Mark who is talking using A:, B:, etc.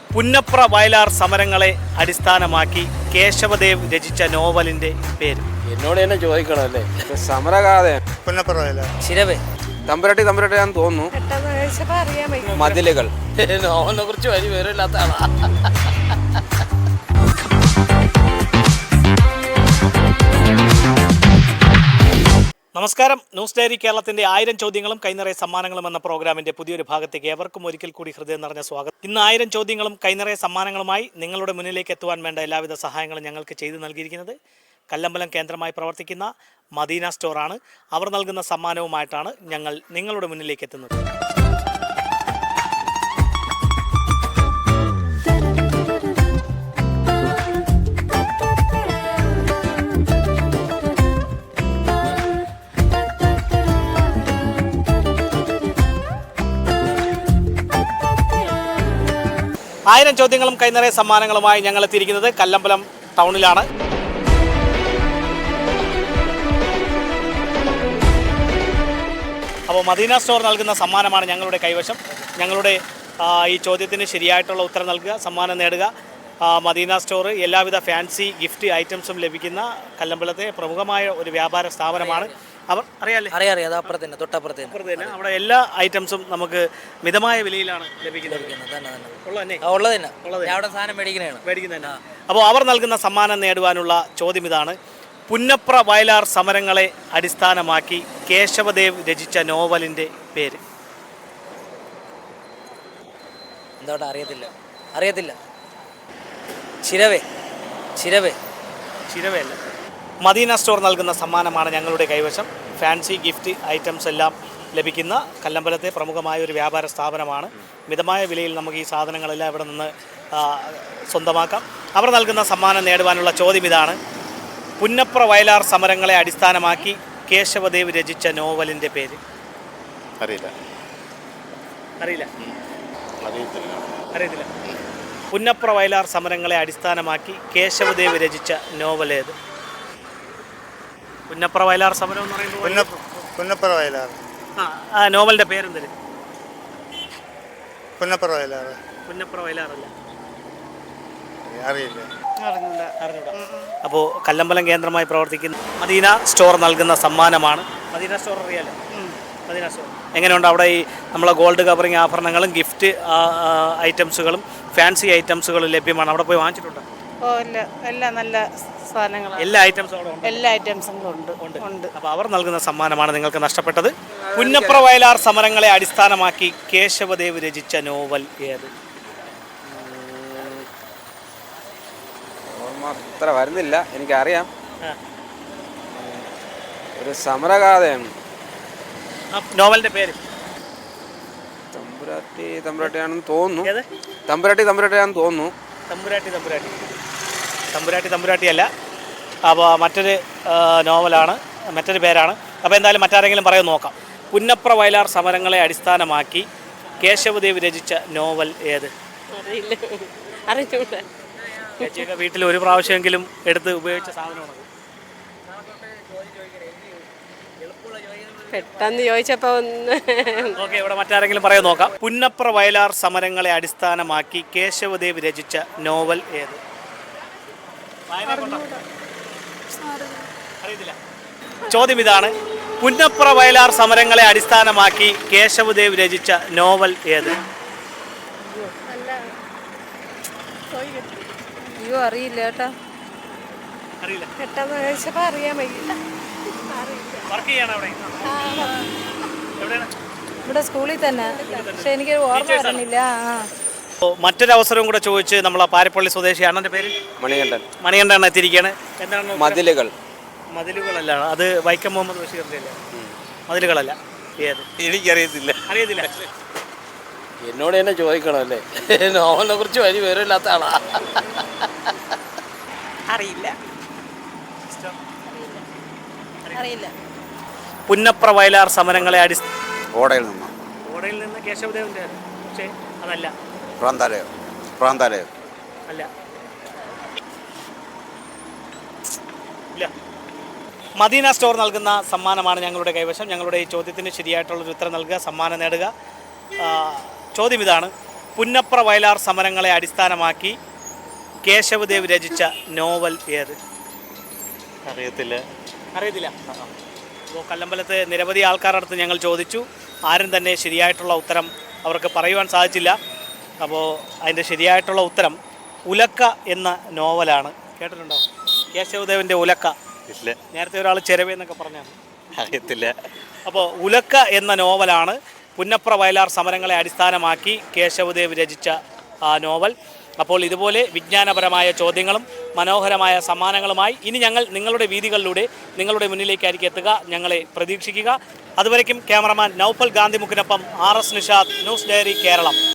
A: പുന്നപ്ര വയലാർ സമരങ്ങളെ അടിസ്ഥാനമാക്കി കേശവദേവ് രചിച്ച നോവലിന്റെ പേര്.
B: എന്നോട് തന്നെ ചോദിക്കണമല്ലേ.
C: സമരകാതെ
D: പുന്നപ്ര വയലാർ.
B: ചിരവേ
C: തമ്പുരാട്ടിയാന്ന് തോന്നുന്നു. മതിലുകൾ.
B: നോവലിനെ കുറിച്ച് വലിയ വിവരമില്ലാത്ത ആളാ.
A: നമസ്കാരം. ന്യൂസ് ഡയറി കേരളത്തിന്റെ 1000 ചോദ്യങ്ങളും കൈനിറയ സമ്മാനങ്ങളും എന്ന പ്രോഗ്രാമിന്റെ പുതിയൊരു ഭാഗത്തേക്ക് ഏവർക്കും ഒരിക്കൽ കൂടി ഹൃദയം നിറഞ്ഞ സ്വാഗതം. ഇന്ന് 1000 ചോദ്യങ്ങളും കൈനിറയ സമ്മാനങ്ങളുമായി നിങ്ങളുടെ മുന്നിലേക്ക് എത്തുവാൻ വേണ്ട എല്ലാവിധ സഹായങ്ങളും ഞങ്ങൾക്ക് ചെയ്തു നൽകിയിരിക്കുന്നത് കല്ലമ്പലം കേന്ദ്രമായി പ്രവർത്തിക്കുന്ന മദീന സ്റ്റോറാണ്. അവർ നൽകുന്ന സമ്മാനവുമായിട്ടാണ് ഞങ്ങൾ നിങ്ങളുടെ മുന്നിലേക്ക് എത്തുന്നത്. ആയിരം ചോദ്യങ്ങളും കൈനിറയ സമ്മാനങ്ങളുമായി ഞങ്ങൾ എത്തിയിരിക്കുന്നത് കല്ലമ്പലം ടൗണിലാണ്. അപ്പോൾ മദീന സ്റ്റോർ നൽകുന്ന സമ്മാനമാണ് ഞങ്ങളുടെ കൈവശം. ഞങ്ങളുടെ ഈ ചോദ്യത്തിന് ശരിയായിട്ടുള്ള ഉത്തരം നൽകുക, സമ്മാനം നേടുക. മദീന സ്റ്റോർ എല്ലാവിധ ഫാൻസി ഗിഫ്റ്റ് ഐറ്റംസും ലഭിക്കുന്ന കല്ലമ്പലത്തെ പ്രമുഖമായ ഒരു വ്യാപാര സ്ഥാപനമാണ്. അവർ അറിയാം,
B: അത് അപ്പുറത്തന്നെ, തൊട്ടപ്പുറത്ത് തന്നെ.
A: അവിടെ എല്ലാ ഐറ്റംസും നമുക്ക് മിതമായ വിലയിലാണ് ലഭിക്കുന്നത്. അപ്പോൾ അവർ നൽകുന്ന സമ്മാനം നേടുവാനുള്ള ചോദ്യം ഇതാണ്: പുന്നപ്ര വയലാർ സമരങ്ങളെ അടിസ്ഥാനമാക്കി കേശവദേവ് രചിച്ച നോവലിന്റെ പേര്.
B: എന്തോട്ടാ അറിയത്തില്ല. ചിരവേ അല്ല.
A: മദീന സ്റ്റോർ നൽകുന്ന സമ്മാനമാണ് ഞങ്ങളുടെ കൈവശം. ഫാൻസി ഗിഫ്റ്റ് ഐറ്റംസ് എല്ലാം ലഭിക്കുന്ന കല്ലമ്പലത്തെ പ്രമുഖമായ ഒരു വ്യാപാര സ്ഥാപനമാണ്. മിതമായ വിലയിൽ നമുക്ക് ഈ സാധനങ്ങളെല്ലാം ഇവിടെ നിന്ന് സ്വന്തമാക്കാം. അവർ നൽകുന്ന സമ്മാനം നേടുവാനുള്ള ചോദ്യം ഇതാണ്: പുന്നപ്ര വയലാർ സമരങ്ങളെ അടിസ്ഥാനമാക്കി കേശവദേവ് രചിച്ച നോവലിൻ്റെ പേര്. അറിയത്തില്ല. പുന്നപ്ര വയലാർ സമരങ്ങളെ അടിസ്ഥാനമാക്കി കേശവദേവ് രചിച്ച നോവൽ ഏത്? പുന്നപ്ര വയലാർ സമരം എന്ന് പറയുമ്പോൾ
D: പുന്നപ്ര വയലാർ.
A: ആ നോവലിന്റെ പേരെന്ത്?
D: പുന്നപ്ര വയലാർ.
A: അല്ല,
D: അറിയില്ല.
A: അപ്പോൾ കല്ലമ്പലം കേന്ദ്രമായി പ്രവർത്തിക്കുന്ന മദീന സ്റ്റോർ നൽകുന്ന സമ്മാനമാണ്. മദീന സ്റ്റോർ അറിയാലോ? മദീന സ്റ്റോർ എങ്ങനെയുണ്ട്? അവിടെ ഈ നമ്മളെ ഗോൾഡ് കവറിങ് ആഭരണങ്ങളും ഗിഫ്റ്റ് ഐറ്റംസുകളും ഫാൻസി ഐറ്റംസുകളും ലഭ്യമാണ്. അവിടെ പോയി വാങ്ങിച്ചിട്ടുണ്ട്?
E: എല്ലാം നല്ല സാധനങ്ങൾ,
A: എല്ലാ ഐറ്റംസും ഉണ്ട്. അപ്പോൾ അവർ നൽകുന്ന സമ്മാനമാണ് നിങ്ങൾക്ക് നഷ്ടപ്പെട്ടത്. പുന്നപ്ര വയലാർ സമരങ്ങളെ അടിസ്ഥാനമാക്കി കേശവദേവ് രചിച്ച നോവൽ ഏത്?
C: അത്ര വരുന്നില്ല, എനിക്കറിയാം. ഒരു സമരകാഥയാണ്.
A: നോവലിന്റെ പേര്?
C: തമ്പുരാട്ടിയാണെന്ന് തോന്നുന്നു. തമ്പുരാട്ടിയാണെന്ന് തോന്നുന്നു.
A: തമ്പുരാട്ടി അല്ല. അപ്പോൾ മറ്റൊരു നോവലാണ്, മറ്റൊരു പേരാണ്. അപ്പോൾ എന്തായാലും മറ്റാരെങ്കിലും പറയുമെന്ന് നോക്കാം. പുന്നപ്ര വയലാർ സമരങ്ങളെ അടിസ്ഥാനമാക്കി കേശവദേവ് രചിച്ച നോവൽ ഏത്? ചേച്ചിയൊക്കെ വീട്ടിൽ ഒരു പ്രാവശ്യമെങ്കിലും എടുത്ത് ഉപയോഗിച്ച സാധനമാണ്.
E: പെട്ടെന്ന് ചോദിച്ചപ്പോൾ
A: ഓക്കെ, ഇവിടെ മറ്റാരെങ്കിലും പറയാൻ നോക്കാം. പുന്നപ്ര വയലാർ സമരങ്ങളെ അടിസ്ഥാനമാക്കി കേശവദേവ് രചിച്ച നോവൽ ഏത്? അറിയത്തില്ല. ചോദ്യം ഇതാണ്: പുന്നപ്ര വയലാർ സമരങ്ങളെ അടിസ്ഥാനമാക്കി കേശവദേവ് രചിച്ച നോവൽ ഏത്?
E: അറിയില്ല കേട്ടോ.
A: അറിയില്ല.
E: പെട്ടെന്ന് ചോദിച്ചപ്പോൾ അറിയാൻ വയ്യ.
A: വർക്ക് ചെയ്യണം അവിടെ?
E: ഇവിടെ സ്കൂളിൽ തന്നെ, പക്ഷെ എനിക്കൊരു ഓർമ്മ വരുന്നില്ല.
A: മറ്റൊരു അവസരവും കൂടെ ചോദിച്ച് നമ്മൾ പാരിപ്പള്ളി സ്വദേശി അണ്ണൻ്റെ പേര് മണികണ്ഠൻ എത്തിയിരിക്കുകയാണ്. എന്താണ്? മതിലുകളല്ല, അത് വൈക്കം മുഹമ്മദ് ബഷീറിൻ്റെ അല്ലേ? മതിലുകളല്ല. ഏത്?
B: എനിക്കറിയത്തില്ല.
A: അറിയത്തില്ല.
B: എന്നോട് തന്നെ ചോദിക്കണമല്ലേ. നോവലിനെ കുറിച്ച് വലിയ വിവരമില്ലാത്ത ആളാ.
E: അറിയില്ല.
A: പുന്നപ്ര വയലാർ സമരങ്ങളെ
C: ഓടയിൽ
A: നിന്ന് കേശവദേവന്റെ, പക്ഷേ അതല്ല.
C: പ്രാന്താലയം
A: അല്ല. ഇല്ല. മദീന സ്റ്റോർ നൽകുന്ന സമ്മാനമാണ് ഞങ്ങളുടെ കൈവശം. ഞങ്ങളുടെ ഈ ചോദ്യത്തിന് ശരിയായിട്ടുള്ളൊരു ഉത്തരം നൽകുക, സമ്മാനം നേടുക. ചോദ്യം ഇതാണ്: പുന്നപ്ര വയലാർ സമരങ്ങളെ അടിസ്ഥാനമാക്കി കേശവദേവ് രചിച്ച നോവൽ ഏത്?
F: അറിയത്തില്ല.
A: അറിയത്തില്ല. അപ്പോൾ കല്ലമ്പലത്ത് നിരവധി ആൾക്കാരുടെ അടുത്ത് ഞങ്ങൾ ചോദിച്ചു. ആരും തന്നെ ശരിയായിട്ടുള്ള ഉത്തരം അവർക്ക് പറയുവാൻ സാധിച്ചില്ല. അപ്പോൾ അതിൻ്റെ ശരിയായിട്ടുള്ള ഉത്തരം ഉലക്ക എന്ന നോവലാണ്. കേട്ടിട്ടുണ്ടോ? കേശവദേവൻ്റെ ഉലക്ക.
F: ഇല്ല.
A: നേരത്തെ ഒരാൾ ചെരവേ എന്നൊക്കെ പറഞ്ഞാണ്.
F: അറിയത്തില്ല.
A: അപ്പോൾ ഉലക്ക എന്ന നോവലാണ് പുന്നപ്ര വയലാർ സമരങ്ങളെ അടിസ്ഥാനമാക്കി കേശവദേവ് രചിച്ച ആ നോവൽ. അപ്പോൾ ഇതുപോലെ വിജ്ഞാനപരമായ ചോദ്യങ്ങളും മനോഹരമായ സമ്മാനങ്ങളുമായി ഇനി ഞങ്ങൾ നിങ്ങളുടെ വീതികളിലൂടെ നിങ്ങളുടെ മുന്നിലേക്കായിരിക്കും എത്തുക. ഞങ്ങളെ പ്രതീക്ഷിക്കുക. അതുവരയ്ക്കും ക്യാമറമാൻ നൗഫൽ ഗാന്ധിമുക്കിനൊപ്പം RS Nishad, news diary Keralam.